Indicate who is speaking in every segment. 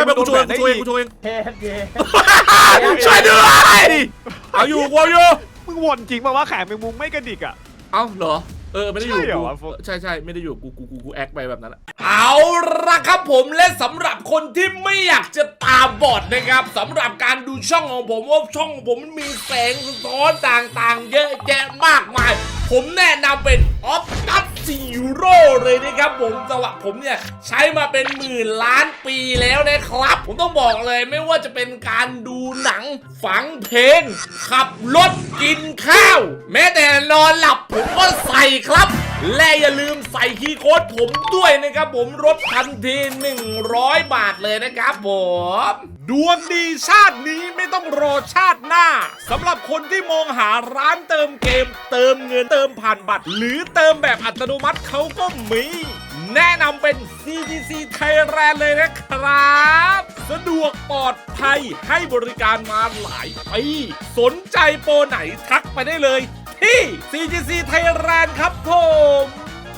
Speaker 1: ไปกูช่วยเอง
Speaker 2: เฮ้ย
Speaker 1: ช่วยด้วยเอาอยู่กูอยู่
Speaker 3: มึงวนจริงป่าวว่าแขนแมงมุมไม่กระดิกอ่ะ
Speaker 1: เอ้าเหรอไม่ได้อยู่
Speaker 3: ใช่เหรอวะ
Speaker 1: ใช่ไม่ได้อยู่กูแอคไปแบบนั้นเอาละครับผมและสำหรับคนที่ไม่อยากจะตาบอดนะครับสำหรับการดูช่องของผมว่าช่องของผมมันมีแสงสะท้อนต่างๆเยอะแยะมากมายผมแนะนำเป็นออฟตัสซีโร่เลยนะครับผมสำหรับผมเนี่ยใช้มาเป็นหมื่นล้านปีแล้วนะครับผมต้องบอกเลยไม่ว่าจะเป็นการดูหนังฟังเพลงขับรถกินข้าวแม้แต่นอนหลับผมก็ใส่ครับและอย่าลืมใส่คีย์โค้ดผมด้วยนะครับผมลดทันที100 บาทเลยนะครับผมดวงดีชาตินี้ไม่ต้องรอชาติหน้าสำหรับคนที่มองหาร้านเติมเกมเติมเงินเติมผ่านบัตรหรือเติมแบบอัตโนมัติเขาก็มีแนะนำเป็น CGC Thailand เลยนะครับสะดวกปลอดภัยให้บริการมาหลายปีสนใจโปรไหนทักไปได้เลยที่ CGC Thailand ครับผม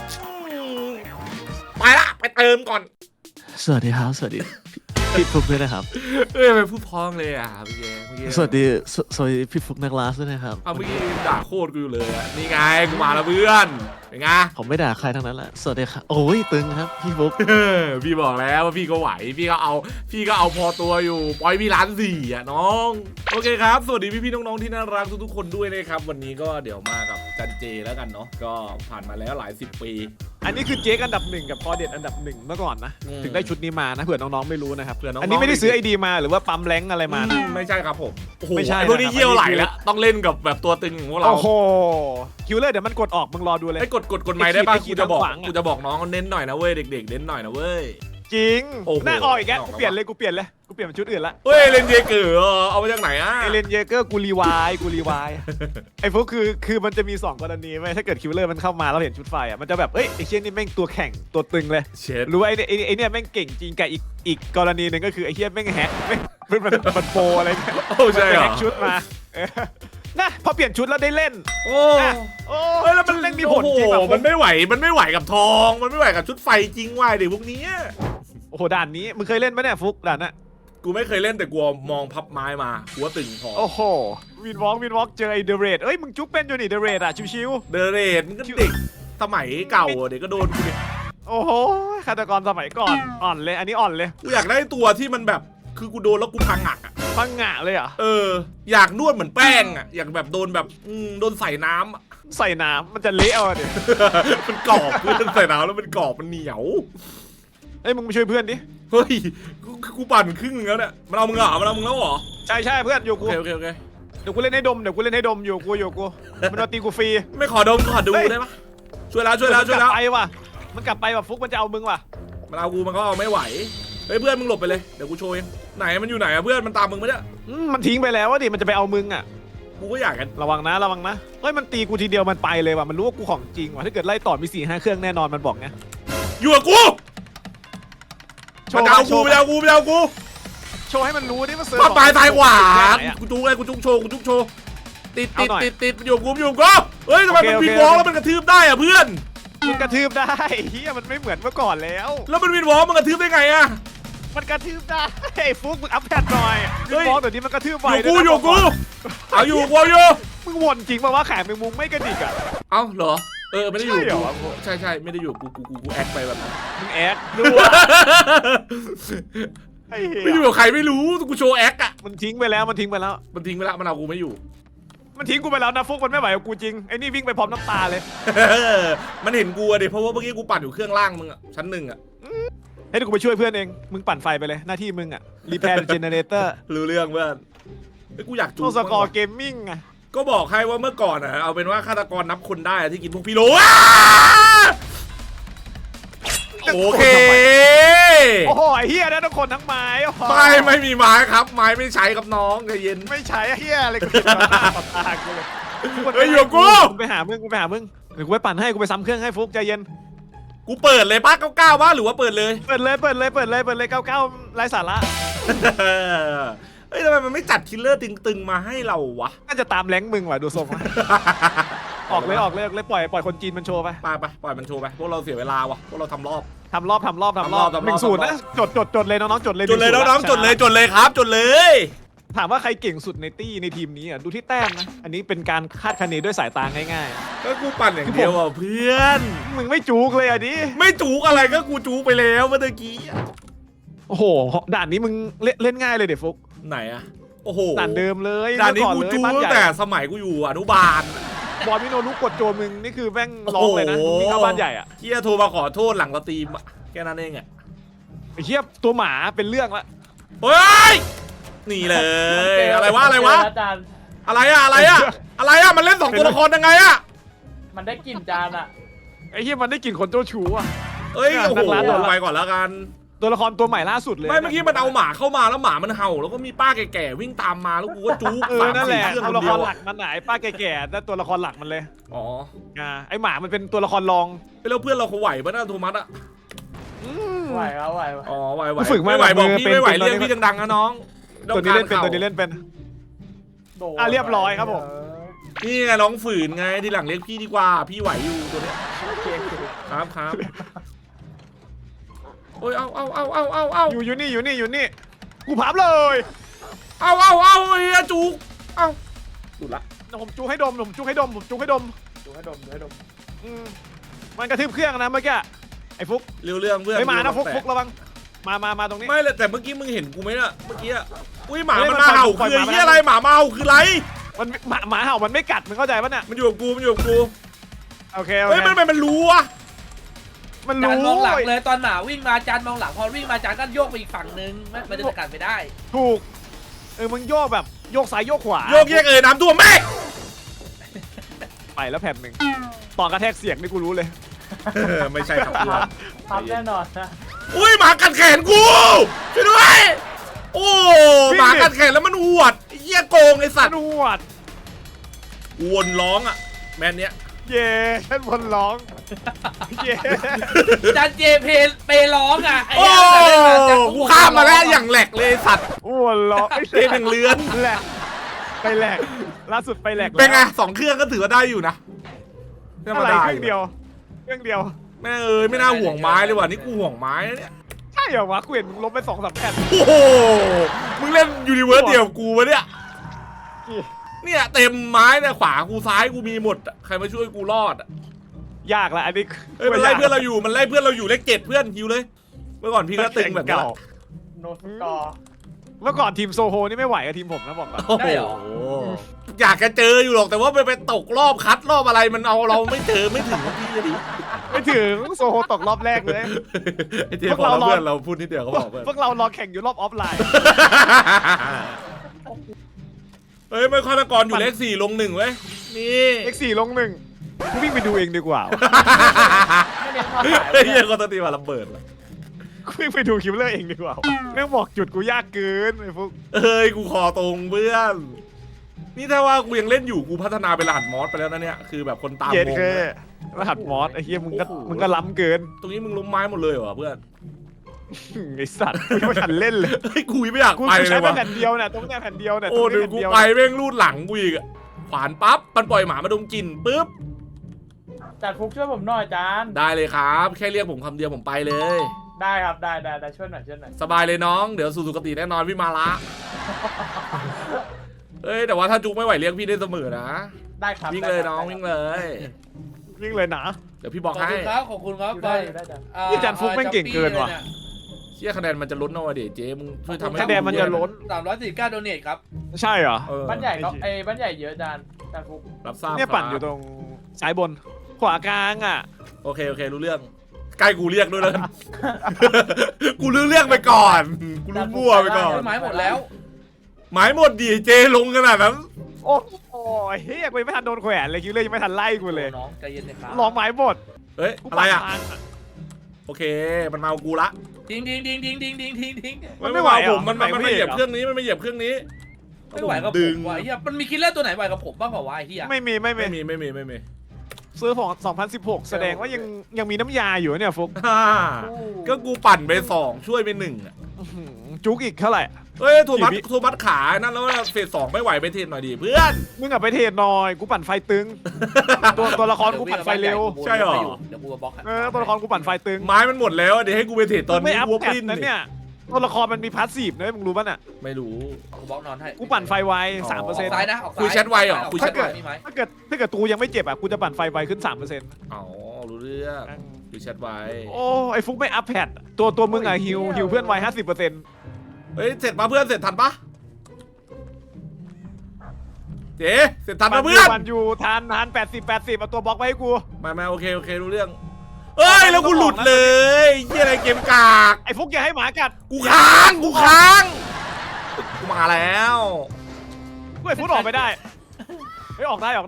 Speaker 1: ไปละไปเติมก่อน
Speaker 2: สวัสดีครับสวัสดีพี่ฟุกด้วยนะครับ
Speaker 1: ไปพูดพ้องเลยอ่ะเมื่อกี้
Speaker 2: สวัสดีพี่ฟุกนักลาสด้วยนะครับ
Speaker 1: เมื่อกี้ด่าโคตรกูอยู่เลยอ่ะนี่ไงกูมาแล้วเพื่อนเป็นไง
Speaker 2: ผมไม่ด่าใครทั้งนั้นแหละสวัสดีครับโอ้ยตึงครับพี่ฟุก
Speaker 1: พี่บอกแล้วว่าพี่ก็ไหวพี่ก็เอาพอตัวอยู่ปล่อยพี่ล้านสี่อ่ะน้องโอเคครับสวัสดีพี่ๆน้องๆที่น่ารักทุกๆคนด้วยนะครับวันนี้ก็เดี๋ยวมากับจันเจแล้วกันเนาะก็ผ่านมาแล้วหลาย10 ปี
Speaker 3: อันนี้คือเจ๊กอันดับ1กับพอเด็ดอันดับ1เมื่อก่อนนะถึงได้ชุดนี้มานะเผื่อน้องๆไม่รู้นะครับอันนี้ไม่ได้ซื้อไอดีมาหรือว่าปั๊มแรงอะไรมา
Speaker 1: ไม่ใช่ครับผม
Speaker 3: ไม่ใช่
Speaker 1: พวกนี้เยี่ยวไหลแล้วต้องเล่นกับแบบตัวตึงของพวกเรา
Speaker 3: โอ้โหคิวเลอร์เดี๋ยวมันกดออกมึงรอดูเลย
Speaker 1: ไอ้กดไม้ได้ป่ะกูจะบอกน้องเน้นหน่อยนะเว้ยเด็กๆเน้นหน่อยนะเว้ย
Speaker 3: จริงหน้าออกอีกแล้วกูเปลี่ยนเลยเป็นชุดอื่นละ
Speaker 1: เฮ้ยเลนเยเกอร์เอามาจากไหนอ่ะ
Speaker 3: เลนเยเกอร์กูรีวายไอ้พวกคือมันจะมี2กรณีไหมถ้าเกิดคิวเลอร์มันเข้ามาแล้วเห็นชุดไฟอ่ะมันจะแบบเอ้ยไอ้เชี่ยนี่แม่งตัวแข่งตัวตึงเลยรู้ไอ้เนี่ยแม่งเก่งจริงกับอีกกรณีหนึ่งก็คือไอ้เชี่ยแม่งแฮกมันโปรอะไรเนี่ย
Speaker 1: โอ้ใช่เหรอ
Speaker 3: แฮกชุดมานะพอเปลี่ยนชุดแล้วได้เล่น
Speaker 1: โอ้
Speaker 3: แล้วมันเล่นมีผลจริง
Speaker 1: มันไม่ไหวกับทองมันไม่ไหวกับชุดไฟจริงว่ะเด็กพวกนี้
Speaker 3: โอ้โหด่านนี้มึงเคยเล่นไหมเนี่ยฟุกด่านน่ะ
Speaker 1: กูไม่เคยเล่นแต่กูมองพับไม้มากูว่าตึงพอ
Speaker 3: โอ้โหวินวอล์กเจอไอเดเรดเอ้ยมึงจุ๊บเป็นอยู่นี่เดเรดอ่ะชิว
Speaker 1: ๆเดเรดมันก็เด็กสมัยเก่าเด็กก็โดนกูดิ
Speaker 3: โอ้โหฆาตกรสมัยก่อนอ่อนเลยอันนี้อ่อนเลย
Speaker 1: กูอยากได้ตัวที่มันแบบคือกูโดนแล้วกูพังอ่ะ
Speaker 3: พังงะเลยอ่ะ
Speaker 1: อยากนวดเหมือนแป้งอ่ะอยากแบบโดนแบบโดนใส่น้
Speaker 3: ำมันจะเละเอาดิ
Speaker 1: มันกรอบคือใส่น้ำแล้วมันกรอบมันเหนียว
Speaker 3: เอ้ยมึงไปช่วยเพื่อนดิ
Speaker 1: เฮ้ยกูปั่นครึ่งแล้วเนี่ยมันเอามึงแล้วเหรอ
Speaker 3: ใช่เพื่อนอยู่กู
Speaker 1: โอเค
Speaker 3: เดี๋ยวกูเล่นให้ดมอยู่กูมันมาตีกูฟรี
Speaker 1: ไม่ขอดูได้ปะช่วยแล้ว
Speaker 3: ไปว่ะมันกลับไปว่ะฟุกมันจะเอามึงว่ะ
Speaker 1: มันเอากูมันก็เอาไม่ไหวเฮ้ยเพื่อนมึงหลบไปเลยเดี๋ยวกูโชว์เองไหนมันอยู่ไหนอะเพื่อนมันตามมึงไหมเนี่ย
Speaker 3: มันทิ้งไปแล้วดิมันจะไปเอามึงอ่ะ
Speaker 1: กูก็อยากกัน
Speaker 3: ระวังนะเฮ้ยมันตีกูทีเดียวมันไปเลยว่ะมันรู้ว่ากูของจริงว่ะถ้าเกิดไล่ต่อมี4-5 เครื่องแน่นอนมันบอกไง
Speaker 1: อยู่กับกูมันเอากู
Speaker 3: โชว์ให้มันรู้ดิว่าเซิร์
Speaker 1: ฟตายกว่ากูจุกโชว์ติดอยู่กูเฮ้ยทำไมมันวินวอล์กแล้วมันกระทืบได้อะเพื่อน
Speaker 3: มันกระทืบได้เฮียมันไม่เหมือนเมื่อก่อนแล้ว
Speaker 1: มันวินวอล์กมันกระทืบได้ไงอะ
Speaker 3: มันกระทืบได้ไอ้ฟุกมึงอัพแพดหน่อยวินวอล์กเดี๋ยวนี้มันกระทืบไว
Speaker 1: อยู่กูเอาอยู่
Speaker 3: มึงวนจริงป่าวว่าแขนแมงมุมไม่กระดิกอ่ะ
Speaker 1: เอ้าเหรอไม่ได้อยู่ใช่ไม่ได้อยู่กูแอคไปแบบ
Speaker 3: มึงแอคดู
Speaker 1: ไม่อยู่กับใครไม่รู้กูโชว์แอคอะ
Speaker 3: มันทิ้งไปแล้วมัน
Speaker 1: เอากูไม่อยู่
Speaker 3: มันทิ้งกูไปแล้วนะฟุกมันไม่ไหวกับกูจริงไอ้นี่วิ่งไปพร้อมน้ำตาเลย
Speaker 1: มันเห็นกูอะดิเพราะว่าเมื่อกี้กูปั่นอยู่เครื่องล่างมึงอะชั้น1อะ
Speaker 3: ให้กูไปช่วยเพื่อนเองมึงปั่นไฟไปเลยหน้าที่มึงอะรีแพร์เจเนเรเตอร์
Speaker 1: รู้เรื่องเพื่อนกูอยากจู
Speaker 3: โทสกอร์เกมมิ่งอะ
Speaker 1: ก็บอกให้ว่าเมื่อก่อนอะเอาเป็นว่าฆาตกรนับคนได้ที่กินพวกพี่โลโอเค
Speaker 3: โอ้โหไอ้เฮียนะทุกคนทั้งไม้
Speaker 1: ไม่มีไม้ครับไม้ไม่ใช้กับน้องใจเย็น
Speaker 3: ไม่ใช้เฮียอะไรกูตากูเลย
Speaker 1: อยู่กู
Speaker 3: ไปหามึงเดี๋ยวกูไปปั่นให้กูไปซ้ำเครื่องให้ฟุกใจเย็น
Speaker 1: กูเปิดเลยป้า99ว่าหรือว่าเปิดเลย
Speaker 3: เปิดเลย99ไร้สาระ
Speaker 1: เฮ้ยทำไมมันไม่จัดคิลเลอร์ตึงๆมาให้เราวะ
Speaker 3: น่าจะตามแรงมึงว่ะดูทรงออกเลยปล่อยคนจีนมันโชว์ไป
Speaker 1: ไปปล่อยมันโชว์ไปพวกเราเสียเวลาวะพวกเราทำรอบ
Speaker 3: ทำรอบ1-0นะจดเลยน้องๆจดเลย
Speaker 1: จดเลยน้องๆจดเลยครับจดเลย
Speaker 3: ถามว่าใครเก่งสุดในตี้ในทีมนี้อ่ะดูที่แต้มนะอันนี้เป็นการคาดคะเนด้วยสายตาง่าย
Speaker 1: ก็กูปั่นอย่างเดียวอ่ะเพื่อน
Speaker 3: ๆมึงไม่จูกเลยอ่ะดิ
Speaker 1: ไม่จูกอะไรก็กูจูกไปแล้วเมื่อกี้
Speaker 3: โอ้โหด่านนี้มึงเล่นง่ายเลยเดี๋ยวฟุก
Speaker 1: ไหนอะโอ้โห
Speaker 3: ด่านเดิมเลย
Speaker 1: ด่านนี้
Speaker 3: เมื่อ
Speaker 1: กู
Speaker 3: เลย
Speaker 1: จูก
Speaker 3: บ้าน
Speaker 1: ตั้
Speaker 3: ให
Speaker 1: ง
Speaker 3: ญ่
Speaker 1: แต่สมัยกูอยู่อนุบาล
Speaker 3: บอลมิโนรุกดโจมึงนี่คือแม่งร้องเลยนะมึงวิ่งเข้าบ้านใหญ่อ่ะ
Speaker 1: เฮียโทรมาขอโทษหลังสตรีมอะแค่นั้นเองอะ
Speaker 3: ไอ้เหี้ยตัวหมาเป็นเรื่องละ
Speaker 1: เฮ้ยนี่เลยอะไรวะ
Speaker 4: จาน
Speaker 1: อะไรอะมันเล่นสองตัวละครยังไงอะ
Speaker 4: มันได้กลิ่นจานอ่ะ
Speaker 3: ไอ้เหี้ยมันได้กลิ่นคนเจ้าชู้อ่ะ
Speaker 1: เอ้ย
Speaker 3: เนี่ย
Speaker 1: โอ้โห
Speaker 3: นักล่าตัวละ
Speaker 1: ไปก่อนแล้วกัน
Speaker 3: ตัวละครตัวใหม่ล่าสุดเลย
Speaker 1: ไม่เมื่อกี้มันเอาหมาเข้ามาแล้วหมามันเห่าแล้วก็มีป้าแก่ๆวิ่งตามมาแล้วกูก็จู๊ก
Speaker 3: นั่นแหละ
Speaker 1: เครื่อง
Speaker 3: ตัว
Speaker 1: คน
Speaker 3: ละค
Speaker 1: เดีย
Speaker 3: ร
Speaker 1: ว
Speaker 3: หลักมันไหนป้าแก่ๆนั่นตัวละครหลักมันเลย
Speaker 1: อ๋อ
Speaker 3: ไอ้หมามันเป็นตัวละครรอง
Speaker 1: แล้วเพื่อนเราเขาไหวปะน่ะโทมัสอะ
Speaker 4: ไหวครับไหว
Speaker 1: อ๋อไหว
Speaker 3: ฝึกไม่
Speaker 1: ไหวบอก
Speaker 3: มือ
Speaker 1: พี่
Speaker 3: เป็น
Speaker 1: ไม่ไหว
Speaker 3: เป็น
Speaker 1: เรียกพี่ดังๆนะน้อง
Speaker 3: ตัวนี้เล่นเป็น
Speaker 1: ต้องการ
Speaker 3: ตัวนี้เล่นเป็น
Speaker 4: โดน
Speaker 3: อ่ะเรียบร้อยครับผม
Speaker 1: นี่ไงน้องฝืนไงทีหลังเรียกพี่ดีกว่าพี่ไหวอยู่ตัวเนี้ย
Speaker 4: โอเค
Speaker 1: ครับโอ้ยเอา
Speaker 3: อยู่นี่กูพับเลย
Speaker 1: เอาเฮียจุกเอาสุดละ
Speaker 3: ผมจูให้ดม
Speaker 4: ดูให้ดม
Speaker 3: อืมมันกระทืบเครื่องนะเมื่อกี้ไอ้ฟุก
Speaker 1: เรื่องเพื่อน
Speaker 3: ไม่มานะฟุก
Speaker 1: แต่
Speaker 3: ระวังมาตรงนี้
Speaker 1: ไม่เลยแต่เมื่อกี้มึงเห็นกูไหมน่ะเมื่อกี้อุ้ยหมา
Speaker 3: เฮ้ย
Speaker 1: มัน
Speaker 3: มัน
Speaker 1: มาเห่า
Speaker 3: ปล่อย
Speaker 1: คือ
Speaker 3: หมา
Speaker 1: ไอ้เหี้ยอะไรหมามาเห่าคืออะไร
Speaker 3: มันหมาเห่ามันไม่กัดมึงเข้าใจปะเนี่ย
Speaker 1: มันอยู่กับกู
Speaker 3: โอเค
Speaker 1: เฮ้ยมันรู้อะ
Speaker 3: มัน
Speaker 4: จาน
Speaker 3: รู้
Speaker 4: มองหลังเลยตอนหมาวิ่งมาจานมองหลังพอวิ่งมาจานก็โยกไปอีกฝั่งนึงมันจะสกัดไม่ได้
Speaker 3: ถูกมึงโยกแบบโยกซ้ายโยกขวา
Speaker 1: โยกแยกน้ำท่วมแม่
Speaker 3: ไปแล้วแผ่นหนึ่งตอนกระแทกเสียงนี่กูรู้เลย
Speaker 1: ไม่ใช่ครับเพื่อน
Speaker 4: พับแน่นอนนะ
Speaker 1: อุ้ยหมากัดแขนกูช่วยด้วยโอ้หมากัดแขนแล้วมันหวดเหี้ยโกงไอ้สัตว์
Speaker 3: นวด
Speaker 1: วนร้องอะแมนเนี้ย
Speaker 3: เย่ฉันวนร้องเย่
Speaker 4: จานเจเปร้องอ่ะไอ้
Speaker 1: โอ้
Speaker 4: เหี้ยแต่เล่นมาจาน
Speaker 1: กูข้ามมาแล้วอย่างแหลกเลยสัตว์
Speaker 3: วนร้อง
Speaker 1: เล่นอย่างเลือน
Speaker 3: แหลกไปแหลกล่าสุดไปแหลก
Speaker 1: เป็นไง2เครื่องก็ถือว่าได้อยู่นะ
Speaker 3: อะไรเครื่องเดียว
Speaker 1: แม่เอ้ยไม่น่าห่วงไม้เลยว่ะนี่กูห่วงไม้นะเนี่ย
Speaker 3: ใช่เหรอวะกูเห็นมึงลบไป2-3แผ่น
Speaker 1: โอ้โหมึงเล่นยูนิเวิร์สเดียวกับกูวะเนี่ยเนี่ยเต็มไม้เนี่ยขวากูซ้ายกูมีหมดอะใครมาช่วยกูรอดอะ
Speaker 3: ยากละอันนี้
Speaker 1: เอ้ยมันไล่เพื่อนเราอยู่เลข7เพื่อนฮิวเลยเมื่อก่อนพี่ก็ตึงแบบนี้
Speaker 3: เก่า
Speaker 4: โนสกอร์
Speaker 3: เมื่อก่อนทีมโซโฮนี่ไม่ไหวกับทีมผมนะบอกก่อน
Speaker 1: โอ้
Speaker 4: ได้เหรอ
Speaker 1: โหอยากจะเจออยู่หรอกแต่ว่าไปตกรอบคัดรอบอะไรมันเอาเราไม่เจอไม่ถึงพี่จะดี
Speaker 3: ไม่ถึงโซโฮตกรอบแรกเลย
Speaker 1: ไอ้เจ๊บอกเราเพื่อนเราพูดนิดเดียวก็บอกเพื่อน
Speaker 3: พวกเรารอแข่งอยู่รอบออฟไลน์
Speaker 1: เฮ้ยไม่ฆาตกรอยู่เลข4ลง1เว้ยนี่
Speaker 3: X4 ลง1กูวิ่งไปดูเองดีกว่า
Speaker 4: ไม่เน้นความหมาย
Speaker 1: เฮ้ยเหี้ยคนตตีมาระเบิดเลย
Speaker 3: กูวิ่งไปดูคิวเลอร์เองดีกว่าแม่งบอกจุดกูยากเกินไอ้พวก
Speaker 1: เอ้ยกูคอตรงเพื่อนนี่ถ้าว่ากูยังเล่นอยู่กูพัฒนาเป็นรหัสมอสไปแล้วนะเนี่ยคือแบบคนตาม
Speaker 3: เย็น
Speaker 1: งง
Speaker 3: เค
Speaker 1: นะ
Speaker 3: รหัสมอสไอ้เหี้ยมึงก็
Speaker 1: โอ้โห
Speaker 3: มึงก็ล้ำเกิน
Speaker 1: ตรงนี้มึงล้มไม้หมดเลยเหรอเพื่อน
Speaker 3: ไอ้สัตว์กูยังไม่ทันเล่นเลย
Speaker 1: เฮ้ยกูไม่อยาก
Speaker 3: กู
Speaker 1: ไปเล
Speaker 3: ใช้
Speaker 1: ย
Speaker 3: แค่
Speaker 1: ว่ะ
Speaker 3: แผ่นเดียวเนี่ยตรงเนี้ยแผ่นเดียวเนี่ย
Speaker 1: โอ้
Speaker 3: ตรง
Speaker 1: เดี๋
Speaker 3: นี้
Speaker 1: ยว
Speaker 3: แผ่น
Speaker 1: กู
Speaker 3: เดียว
Speaker 1: ไปแม่งรูดหลังกูอีกอะขวานปั๊บมันปล่อยหมามาดมกลิ่นปุ๊บ
Speaker 4: จานฟุกช่วยผมหน่อยจาน
Speaker 1: ได้เลยครับ แค่เรียกผมคำเดียวผมไปเลย
Speaker 4: ได้ครับได้ช่วยหน่อย
Speaker 1: สบายเลยน้องเดี๋ยวสู่สุคติแน่นอนพี่มาละเอ้ยแต่ว่าถ้าจุกไม่ไหวเรียกพี่ได้เสมอนะ
Speaker 4: ได้ครับ
Speaker 1: วิ่งเลยน้องวิ่งเลย
Speaker 3: วิ่งเลยนะ
Speaker 1: เดี๋ยวพี่บอก
Speaker 4: ขอบ
Speaker 1: ให้
Speaker 4: คุณครับขอบคุณครับ
Speaker 3: ได้นี่จานฟุกแม่งเก่งเกินว่ะ
Speaker 1: เชี่ยคะแนนมันจะลดหน่อยเดี๋ยวเจ๊มึงช่วยทำให้
Speaker 3: คะแนนมันจะลด
Speaker 4: 349โดเนทครับ
Speaker 3: ใช่เหรอ
Speaker 1: เออ
Speaker 4: บ้านใหญ่ก็บ้านใหญ่เยอะจานฟุก
Speaker 1: รับทราบ
Speaker 3: เนี่ยปั่นอยู่ตรงซ้ายบน ขวากลางอ่ะ
Speaker 1: โอเครู้เรื่องใกล้กูเรียกด้วยแล้วกัน กูรู้เรื่องไปก่อนกูรู้มั่วไปก่อน
Speaker 4: ไม้หมดแล้ว
Speaker 1: หมายหมดดิเจลงขนาดนั้น
Speaker 3: โอ้โหเฮ้ยกูยังไม่ทันโดนแขวนเลยคิวเลยยังไม่ทันไล่กูเลย
Speaker 4: น้องใจเย็นนะครับ
Speaker 3: ลองไม้บด
Speaker 1: เฮ้ยอะไรอะโอเคมันมาเอากูละ
Speaker 4: ทิ้ง
Speaker 3: มันไม่ไหว
Speaker 1: เอา
Speaker 3: เหร
Speaker 1: ผ
Speaker 3: อ
Speaker 1: มมัน
Speaker 3: มัน
Speaker 1: ไม่
Speaker 3: ไม่
Speaker 1: เหยียบ
Speaker 3: เหรอ
Speaker 1: เครื่องนี้มันไม่เหยียบเครื่องนี้
Speaker 4: ไม่ไหวกับผ
Speaker 1: ดึง
Speaker 4: มว่ะเฮียมันมีคิลเลอร์ตัวไหนไหวกับผมบ้างเปล่าวะไอ้เฮีย
Speaker 3: ไม่มี
Speaker 1: ไม่มี
Speaker 3: ซื้อของ2016 แสดงว่ายังมีน้ำยาอยู่เนี่ยฟุก
Speaker 1: ฮ่าก็กูปั่นไป2ช่วยไป1อะ
Speaker 3: จุกอีกเท่าไหร่
Speaker 1: เฮ้ยโทมัสขานั่นแล้วเฟส2ไม่ไหวไปเทรนหน่อยดิเพื่อน
Speaker 3: มึงอะไปเทรดหน่อยกูปั่นไฟตึง ตัวละครกูปั่นไฟเร็ว
Speaker 1: ใช่เหรอ
Speaker 4: เดี๋ยวกูมาบล็อกให้
Speaker 3: ตัวละครกูปั่นไฟตึง
Speaker 1: ไม้มันหมดแล้วเดี๋ยวให้กูไปเทรดตอน
Speaker 3: ไม่
Speaker 1: นี้
Speaker 3: อัพ
Speaker 1: วัว
Speaker 3: แพ
Speaker 1: ป
Speaker 3: ท
Speaker 1: ลิ้น
Speaker 3: นะเนี่ยตัวละครมันมีพาสซีฟนะมึงรู้ป่ะน่ะ
Speaker 1: ไม่รู้
Speaker 4: กูบล็อกนอนให้
Speaker 3: กูปั่นไฟไว
Speaker 1: อ๋อ
Speaker 3: 3%
Speaker 4: ออกซ้ายนะออกซ้าย
Speaker 1: คุยแชทไวเหรอคุยแชทไว
Speaker 4: มีไหม
Speaker 3: ถ้าเกิดตูยังไม่เจ็บอ่ะกูจะปั่นไฟไวขึ้น 3%
Speaker 1: อ๋อรู้เรื่องดูแชทไว้
Speaker 3: โอ้ไอ้ฟุกไม่อัพแพทตัวมึงอะฮิวเพื่อนไว 50%
Speaker 1: เฮ้ยเสร็จมาเพื่อนเสร็จทันปะเจ๊เสร็จทันปะเพื่อน
Speaker 3: ปั่นอยู่ทาน80เอาตัวบล็อกไว้ให้กู
Speaker 1: ไม่โอเครู้เรื่องเอ้ยแล้วกูหลุดเลยเหี้ยอะไรเกมกาก
Speaker 3: ไอ้ฟุกอย่าให้หมากัด
Speaker 1: กูค้างกูมาแล้ว
Speaker 3: กูไอ้ฟุกออกไม่ได้เฮ้ยออกได้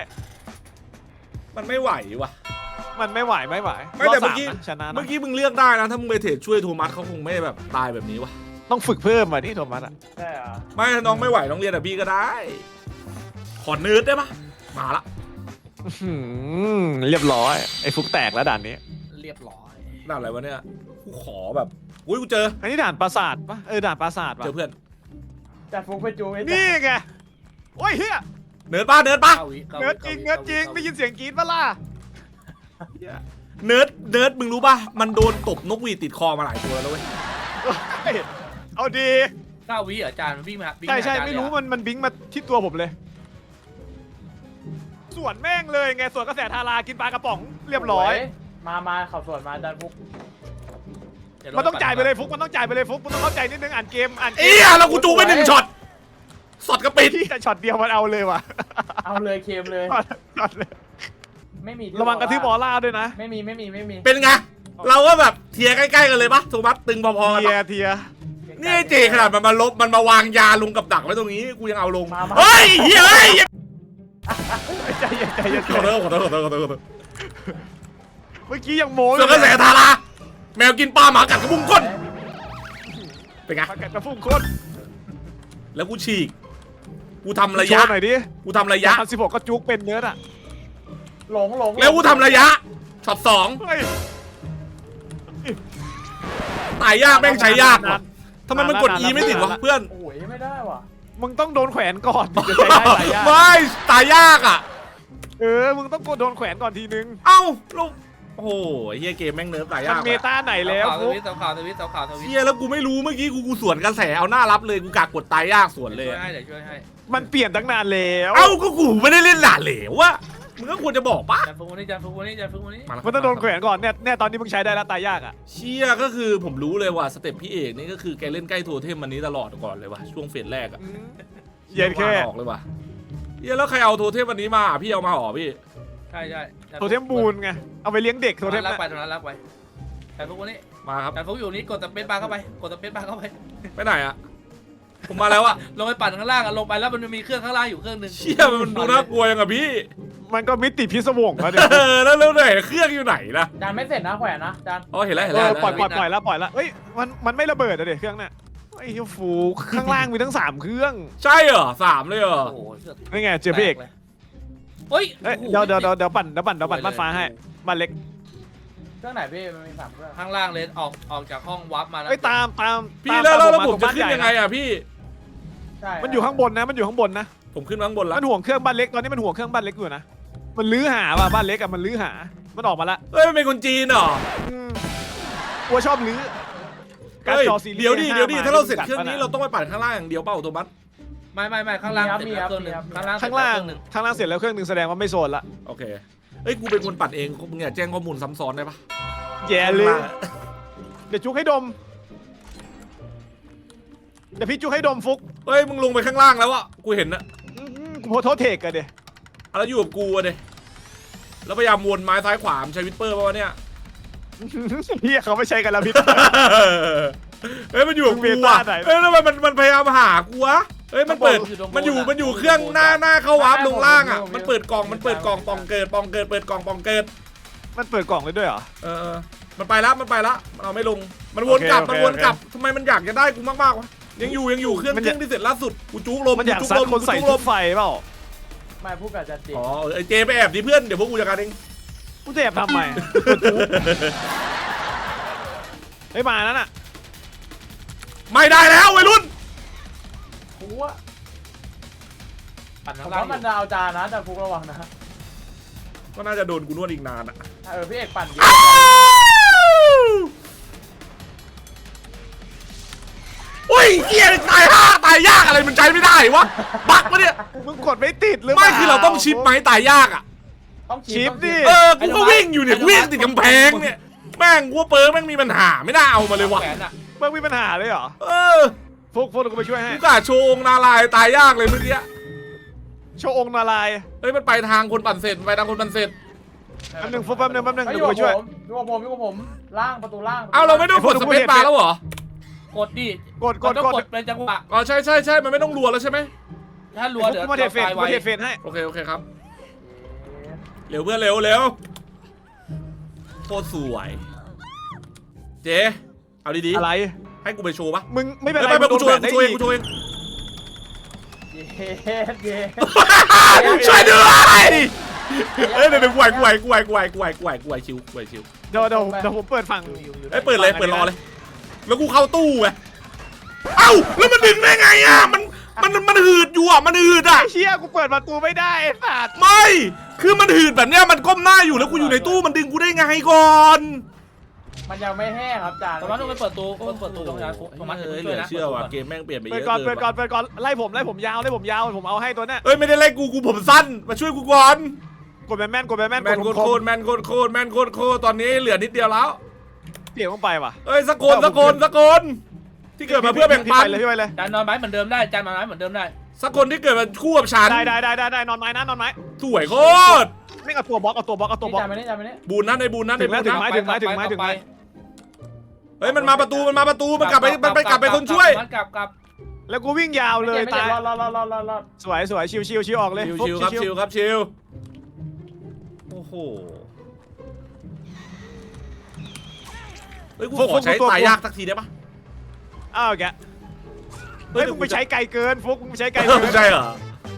Speaker 1: มันไม่ไหวว่ะ
Speaker 3: มันไม่ไหว
Speaker 1: ไม่แต่เมื่อกี้
Speaker 3: รบ3นะชนะนะ
Speaker 1: เมื่อกี้มึงเลือกได้นะถ้ามึงไปเทรดช่วยโทมัสเขาคงไม่แบบตายแบบนี้วะ
Speaker 3: ต้องฝึกเพิ่มอ่ะนี่โทมัสอ่ะ
Speaker 5: ใช่เหรอ
Speaker 1: ไม่ถ้าน้องไม่ไหวน้องเรียนแบบพี่ก็ได้ ขอเนิร์ดได้ปะมาละ
Speaker 3: เรียบร้อยไอ้ฟุกแตกแล้วด่านนี้
Speaker 4: เรียบร้อย
Speaker 1: ด่านอะไรวะเนี่ยกูขอแบบอุ้ยกูเจอ
Speaker 3: อันนี้ด่านปราสาทปะด่านปราสาทปะ
Speaker 1: เจอเพื่อน
Speaker 5: จัดฟุกไปจูไอ้
Speaker 3: นี่ไงโอ้ยเฮีย
Speaker 1: เนิร์ดปะ
Speaker 3: เนื้อจริงได้ยินเสียงกรี๊ดปะล่ะ
Speaker 1: เนิร์ดมึงรู้ปะมันโดนตบนกหวีดติดคอมาหลายตัวแล้วเว้ย
Speaker 3: เฮ้ยเอาดี
Speaker 4: 9 วิเหรออาจารย์มันวิ่งมาวิ่ง
Speaker 3: ใช่
Speaker 4: าอาจาย์
Speaker 3: ไม่รู้
Speaker 4: เลยอะ
Speaker 3: มันบิงมาที่ตัวผมเลย สวนแม่งเลยไงสวนกระแสทารากินปลากระป๋องเรียบร้อย
Speaker 5: มาขับสวนมาดันฟุก
Speaker 4: เดี๋ว
Speaker 3: มันต้องจ่ายไปเลยฟุกมันต้องจ่ายไปเลยฟุกมันต้องเข้าใจนิดนึงอ่านเกม
Speaker 1: เอี้ยแล้วกูจูไป1ช็อตสอดกระปิด
Speaker 3: ที่แต่ช็อตเดียวมันเอาเลยว่ะ
Speaker 5: เอาเลยเคมเลย
Speaker 3: ช็อตเลย
Speaker 5: ไม่มี
Speaker 3: ระวังกระทืบบอลล่าด้วยนะ
Speaker 5: ไม่มี
Speaker 1: เป็นไงเราก็แบบเทียร์ใกล้ๆกันเลยปะโทมัสตึงพอๆกัน
Speaker 3: เทีย
Speaker 1: ปะ
Speaker 3: เทีย
Speaker 1: นี่เจขนาดมันมาลบมันมาวางยาลงกับดักไว้ตรงนี้กูยังเอาลง
Speaker 5: มา
Speaker 1: เฮ้ยเฮ้ย
Speaker 3: ใจเย็น
Speaker 1: ขอโทษขอโทษ
Speaker 3: เมื่อกี้ยังโม้
Speaker 1: ส่วนกระแสทาราแมวกินปลาหมากัดกระพุ้งก้นเป็นไง
Speaker 3: ปากกัดกระฟุ้งโคตร
Speaker 1: แล้วกูฉีกกูทำระ
Speaker 3: โช
Speaker 1: ยะ
Speaker 3: ว์หน่อยดิ
Speaker 1: กูทำระยะ
Speaker 3: 16ก็จุกเป็นเนื้ออ่ะ
Speaker 5: หลง
Speaker 1: แล้วกูทำระยะช็อต
Speaker 3: เฮ้ย
Speaker 1: 2ตายยากแม่งใช้ยากว่ะทำไมมันกด E ไม่ติดวะเพื่อน
Speaker 5: โอ้ยไม่ได้ว่ะ
Speaker 3: มึงต้องโดนแขวนก่อนถึงจะใช้ได้หลายอย่าง
Speaker 1: ไม่ตายยากอ่ะ
Speaker 3: มึงต้องโดนแขวนก่อนทีนึง
Speaker 1: เอ้าลูกโอ้โหเฮียเกมแม่งเนิร์ฟตายยา
Speaker 3: มั
Speaker 1: ก
Speaker 3: นเมตาไหนแล้ว
Speaker 4: เสา
Speaker 3: ฟุก
Speaker 4: ข่าวทวิต
Speaker 1: เฮียแล้วกูไม่รู้เมื่อกี้กูสวนกระแสเอาหน้ารับเลยกูกากดตายยากสวนเลย
Speaker 4: ช่วยให้เดี๋ยวช่วยให้
Speaker 3: มันเปลี่ยนตั้งนานแล้ว
Speaker 1: เอ้าก็กูไม่ได้เล่นหลานเหลววะมึงก็ควรจะบอกปะ
Speaker 4: อาจารย์ฟุกวันนี้อาจารย์ฟุกวันนี้
Speaker 3: มันต้องโดนแขวนก่อนเนี่ยตอนนี้มึงใช้ได้แล้วตายยากอ่ะ
Speaker 1: เชี่ยก็คือผมรู้เลยว่าสเต็ปพี่เอกนี่ก็คือแกเล่นใกล้โทเทมมันนี้ตลอดก่อนเลยว่ะช่วงเฟสแรกอะ
Speaker 3: เย็นแค่
Speaker 1: ออกเลยว่ะเฮียแล้วใครเอาโทเทมวันนี้มาพี่เอามาหรอพี่
Speaker 4: ใช่
Speaker 3: โทเทมบูนไงเอาไปเลี้ยงเด็กโทเทม
Speaker 4: รัก
Speaker 3: น่ะ
Speaker 4: ไปตรงนั้นรักไปอาจารย์ฟุกวันนี้
Speaker 1: มาครับ
Speaker 4: อาจารย์ฟุกอยู่นี่กดสเปซบาร์เข้าไปกดสเปซบาร์เข้าไป
Speaker 1: ไปไหนอะผมมาแล้วอะ
Speaker 4: ลงไปปั่นข้างล่างลงไปแล้วมันมีเครื่องข้างล่างอยู่เครื่องนึง
Speaker 1: เชี่ยมันดูน่ากลัวยังอะพี่
Speaker 3: มันก็มิติพิศวงแล้วเนี่ย
Speaker 1: แล้วไหนเครื่องอยู่ไหนนะ
Speaker 5: จานไม่เสร็จนะแขวนนะจาน
Speaker 1: อ๋อเห็นแล้ว
Speaker 3: ปล่อยแล้วเฮ้ยมันไม่ระเบิดอะเด็กเครื่องน่ะไอ้เหี้ยฟูข้างล่างมีทั้ง3เครื่อง
Speaker 1: ใช่เหรอ3เลยเหรอ
Speaker 4: โอ้โหเสือก
Speaker 3: นี่ไงเจอพี่เอก
Speaker 4: เฮ้ย
Speaker 3: เดี๋ยวปั่นบ้านฟ้าให้บ้านเล็ก
Speaker 5: เครื่องไหนพี่มันมี3เครื่อง
Speaker 4: ข้างล่างเลยออกจากห้องวาร์ปมาแล้ว
Speaker 3: เอ้ยตาม
Speaker 1: พี่แล้วผมจะ
Speaker 3: บ้าน
Speaker 1: ขึ้น
Speaker 3: ใหญ่
Speaker 1: ยังไงอะพี่
Speaker 5: ใช่
Speaker 3: มันอยู่ข้างบนนะ
Speaker 1: ผมขึ้นข้างบนแล้ว
Speaker 3: มันห่วงเครื่องบ้านเล็กตอนนี้มันห่วงเครื่องบ้านเล็กอยู่นะมันลื้อหาว่ะบ้านเล็กอะมันลื้อหามันออกมาละ
Speaker 1: เฮ้ยมันเป็นคนจีนเหรอ
Speaker 3: กลัวชอบลื้อการ
Speaker 1: เฮ้ย
Speaker 3: จอซีรีส์
Speaker 1: เดี๋ยวดิ
Speaker 3: 5
Speaker 1: ถ้าเราเสร็จเครื่องนี้เราต้องไปปั่นข้างล่างอย่างเดียวเปล่าโทมัส
Speaker 4: ไม่ข้างล่างเสร็จแล้วเครื่องนึงข้างล่าง
Speaker 3: ข้างล่างเสร็จแล้วเครื่องหนึ่งแสดงว่าไม่โซนละ
Speaker 1: โอเคเอ้ยกูเป็นคนปั่นเองมึงอย่าแจ้งข้อมูลซ้ำซ้อนได้ปะ
Speaker 3: แย่เลยเดี๋ยวจุกให้ดมเดี๋ยวพี่จุกให้ดมฟุก
Speaker 1: เฮ้ยมึงลงไปข้างล่างแล้วอะกูเห็นนะ
Speaker 3: กูโพสโทษเทกกันเดี๋ย
Speaker 1: แล้วอยู่กับกูอะเดแล้วพยายามวนไม้ซ้ายขวาใช้วิปเปอร์ป่าวะเนี่ย
Speaker 3: พี่เขาไม่ใช้กันแล้วพี่
Speaker 1: เฮ้ยมันอยู่กับ
Speaker 3: มึ
Speaker 1: กู
Speaker 3: งเมตา
Speaker 1: อะ
Speaker 3: ไหน
Speaker 1: เฮ้ยแล้วมันพยายามหากูวะเฮ้ยมันอยู่เครื่องหน้าเข้าวาร์ปลงล่างอะมันเปิดกล่องปองเกิดเปิดกล่องปองเกิด
Speaker 3: มันเปิดกล่องเลยด้วยเหรอ
Speaker 1: มันไปละมันเอาไม่ลงมันวนกลับ
Speaker 3: โอเค
Speaker 1: มันวนกลับทำไมมันอยากจะได้กูมากๆวะยังอยู่เครื่องที่เสร็จล่าสุดกูจุกลม
Speaker 3: มันอยาก
Speaker 1: จุก
Speaker 3: ซัด
Speaker 1: ลม
Speaker 3: คนใส่
Speaker 1: จุกล
Speaker 3: ชุ
Speaker 1: ม
Speaker 3: ดไฟเปล่า
Speaker 5: ไม่พูดกับจันจี
Speaker 1: อ๋อไอเจไปแอบดิเพื่อนเดี๋ยวพวกกูจัดการเอง
Speaker 3: กูจะแอบทำไมเฮ้ยมานั่นน่ะ
Speaker 1: ไม่ได้แล้ววัยรุ่น
Speaker 5: กูว่า
Speaker 4: ปั่น
Speaker 5: ผ
Speaker 4: ข้าง
Speaker 5: ม
Speaker 4: ล่าง
Speaker 5: ว่ามันจะเอาจานนะแต่ฟุกระวังนะ
Speaker 1: ก็น่าจะโดนกูนวดอีกนานอะ
Speaker 5: พี่เอกปั่นเยอะ
Speaker 1: อ้าวโอ้ยเกียตายตายยากอะไรมันใช้ไม่ได้วะบักปะเนี่ย
Speaker 3: มึงกดไม่ติดหรือ
Speaker 1: ไม่คือเราต้องชิปไหมตายยากอะ
Speaker 5: ต้อง
Speaker 3: ชิปดิ
Speaker 1: กูก็วิ่งอยู่เนี่ยวิ่งติดกำแพงเนี่ยแม่งกูว่าเปิร์แม่งมีปัญหาไม่น่าเอามาเลยวะ
Speaker 4: แขนอ่ะ
Speaker 3: มึงมีปัญหาเลยเหรอ
Speaker 1: เออ
Speaker 3: ฟุกเดี๋ยวกูไปช่วยให้
Speaker 1: กูกะโชว์องค์นาลายณ์ตายยากเลยเมื่อกี้
Speaker 3: โชว์องค์นารายณ์
Speaker 1: เฮ้ยมันไปทางคนปั่นเสร็จมันไปทางคนปั่นเสร็จ
Speaker 3: แป๊บนึงฟุกแป๊บนึง
Speaker 5: ไม่
Speaker 3: เดี๋
Speaker 5: อ
Speaker 3: ยว
Speaker 5: ยู่
Speaker 3: กู
Speaker 5: กับ
Speaker 3: ไปช่วย
Speaker 5: ผมอยู่กับผมอยู่กับผมล่างประตูล่าง
Speaker 1: เอาเราไม่ต้องกดสเปซบาร์แล้วเหรอ
Speaker 4: กดดิ
Speaker 3: กด
Speaker 4: มันต้อง
Speaker 3: ก
Speaker 4: ก
Speaker 3: ด
Speaker 4: ดเป็นจังหวะ
Speaker 1: อ๋อใช่ใช่มันไม่ต้องรัวแล้วใช่ไหม
Speaker 4: ถ้ารัวเดี๋ยว
Speaker 3: กูมาเทเฟน
Speaker 4: ตาย
Speaker 3: กู
Speaker 4: ไว้
Speaker 3: เทเฟนให้
Speaker 1: โอเคครับเร็วเพื่อนเร็วโคตรสวยเจ๊เอาดี
Speaker 3: อะไร
Speaker 1: ๆให้กูไปโชว์ปะ
Speaker 3: มึงไม่เป็นไร
Speaker 1: ไม่กูโชว์เอง
Speaker 3: มึ
Speaker 1: กู
Speaker 3: ง
Speaker 1: โชว์เอง
Speaker 3: โดน
Speaker 5: เย้
Speaker 1: ช่วยด้วยเอ้ยเดี๋ยวกูไหวชิว
Speaker 3: เดี๋ยวผมเปิดฝั่ง
Speaker 1: เอ้ยเปิดเลยเปิดรอเลย แล้วกูเข้าตู้ไงเอ้าแล้วมันดึงได้ไงอ่ะมันหืดอยู่อ่ะมันหืดอ่ะ
Speaker 3: ไอ้เชี่ยกูเปิดประตูไม่ได้ไอ้สัตว์
Speaker 1: ไม่คือมันหืดแบบเนี้ยมันก้มหน้าอยู่แล้วกูอยู่ในตู้มันดึงกูได้ไงก่อน
Speaker 5: มันยังไม่แห้งครับจาน
Speaker 4: ตรงนั้นต้องไปเปิดตู้ตรงนั้นตรงนั้น
Speaker 1: เฮ้ยเห
Speaker 4: ช่
Speaker 1: ลื
Speaker 4: วย
Speaker 1: อ
Speaker 4: นะ
Speaker 1: เชื่อว่ะเกมแม่งเปลี่ยนไปเย
Speaker 3: เปิด
Speaker 1: อะ
Speaker 3: ก่อน
Speaker 1: เกิ
Speaker 3: เปิด
Speaker 1: น
Speaker 3: ก่อนเปิดก่อนไล่ผมยาวผมเอาให้ตัวเนี้ย
Speaker 1: เอ้ยไม่ได้ไล่กูผมสั้นมาช่วยกูก่อน
Speaker 3: กดแม่นกด
Speaker 1: แม
Speaker 3: แม่
Speaker 1: น
Speaker 3: น
Speaker 1: โคตรแมนโคตรตอนนี้เหลือนิดเดียวแล้ว
Speaker 3: เปลี่ยนลงไปว่ะ
Speaker 1: เอ้ยสกลที่เกิดมาเพื่อแบ่งปัน
Speaker 3: พี่ไปเลย
Speaker 4: จานนอนไม้เหมือนเดิมได้จานนอนไม้เหมือนเดิมได้
Speaker 1: สกลที่เกิดมาคู่กับฉัน
Speaker 3: ได้นอนไม้นะนอนไม้
Speaker 1: สวยโคตร
Speaker 3: ไม่เอาตัวบล็อกเอาตัวบล็อก
Speaker 5: จานไปนี่จานไปนี่
Speaker 1: บูนนั่นในบูนนั่นใน
Speaker 3: ถึง
Speaker 1: บู
Speaker 3: แล้ว
Speaker 1: น
Speaker 3: ถึง
Speaker 1: นั่น
Speaker 3: ไม้
Speaker 1: เฮ้ยมันมาประตูมันกลับไปคนช่วย
Speaker 4: กลับ
Speaker 3: แล้วกูวิ่งยาวเลยตาย
Speaker 5: รอ ส
Speaker 3: วยชิวออกเลย
Speaker 1: ชิวครับชิวโอ้โหเฮ้ยกูขอใช้ตายยากสักทีได้ปะ
Speaker 3: อ้าวแกเฮ้ยมึงไปใช้ไกลเกินฟุกมึงใช้ไกลเกิน
Speaker 1: ใช่เหรอ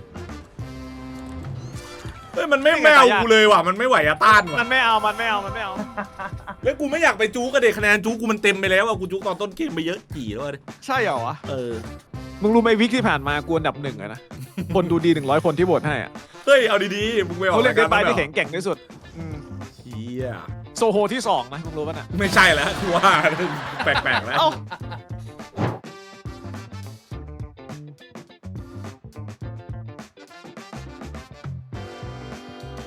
Speaker 1: เฮ้ยมันไม่เอากูเลยว่ะมันไม่ไหวอะต้านว่ะ
Speaker 3: มันไม่เอา
Speaker 1: เฮ้ยกูไม่อยากไปจู๊กระเด็คะแนนจู๊กูมันเต็มไปแล้วอะกูจู๊ตอนต้นเกมไปเยอะกี่แล้วเลย
Speaker 3: ใช่เหรอวะ
Speaker 1: เออ
Speaker 3: มึงรู้ไหมวิกที่ผ่านมากูอันดับ1อะนะคนดูดี100คนที่โหวตให้อะ
Speaker 1: เฮ้ยเอาดีๆมึงไม่ออก
Speaker 3: เขาเล่นเดนไป
Speaker 1: ราย
Speaker 3: ที่
Speaker 1: การ
Speaker 3: แข็งแกร่งที่สุด
Speaker 1: เฮีย
Speaker 3: โซโฮที่2นะมึงรู้ป่ะน่ะ
Speaker 1: ไม่ใช่แล้วกูว่าแปลกๆแล้ว
Speaker 3: เอ้า